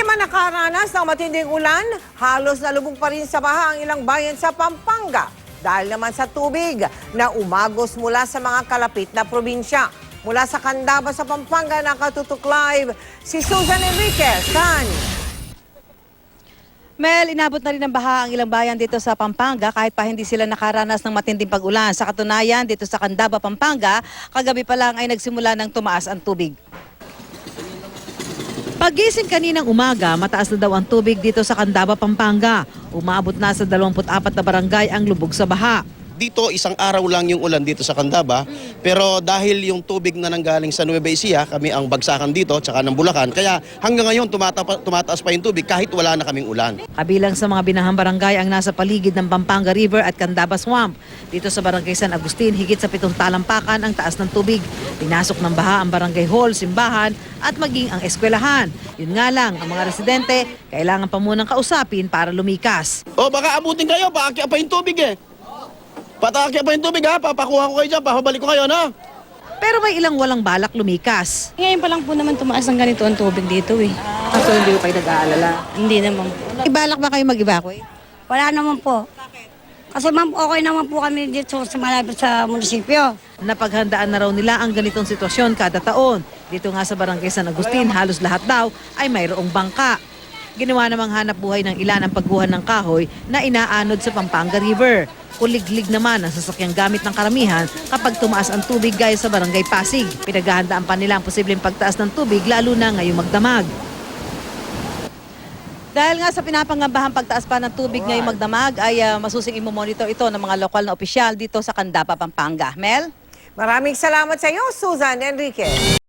Hindi man nakaranas ng matinding ulan, halos nalubog pa rin sa baha ang ilang bayan sa Pampanga dahil naman sa tubig na umagos mula sa mga kalapit na probinsya. Mula sa Candaba sa Pampanga, nakatutok live si Susan Enriquez. Mel, inabot na rin ng baha ang ilang bayan dito sa Pampanga kahit pa hindi sila nakaranas ng matinding pag-ulan. Sa katunayan, dito sa Candaba, Pampanga, kagabi pa lang ay nagsimula ng tumaas ang tubig. Pagising kaninang umaga, mataas na daw ang tubig dito sa Candaba, Pampanga. Umabot na sa 24 na barangay ang lubog sa baha. Dito, isang araw lang yung ulan dito sa Candaba, pero dahil yung tubig na nanggaling sa Nueva Ecija, kami ang bagsakan dito, tsaka ng Bulacan, kaya hanggang ngayon tumataas pa yung tubig kahit wala na kaming ulan. Kabilang sa mga binahang barangay ang nasa paligid ng Pampanga River at Candaba Swamp. Dito sa Barangay San Agustin, higit sa 7 talampakan ang taas ng tubig. Pinasok ng baha ang barangay hall, simbahan at maging ang eskwelahan. Yun nga lang, ang mga residente kailangan pa munang kausapin para lumikas. O baka abutin kayo, paakya pa yung tubig eh. Patakya pa yung tubig ha, papakuha ko kayo dyan, papabalik ko kayo na. Pero may ilang walang balak lumikas. Ngayon pa lang po naman tumaas ng ganito ang tubig dito eh. So hindi ko kayo nag-aalala? Hindi naman. Ibalak ba kayo mag-evacuate? Wala naman po. Kasi ma'am, okay naman po kami dito sa malapit sa munisipyo. Napaghandaan na raw nila ang ganitong sitwasyon kada taon. Dito nga sa Barangay San Agustin, halos lahat daw ay mayroong bangka. Ginawa namang hanap buhay ng ilan ang pagguhan ng kahoy na inaanod sa Pampanga River. Kuliglig naman ang sasakyang gamit ng karamihan kapag tumaas ang tubig gaya sa Barangay Pasig. Pinaghahandaan pa nila ang posibleng pagtaas ng tubig lalo na ngayong magdamag. Dahil nga sa pinapangambahang pagtaas pa ng tubig ngayong magdamag ay masusing imomonitor ito ng mga lokal na opisyal dito sa Candaba, Pampanga. Mel? Maraming salamat sa iyo, Susan Enriquez.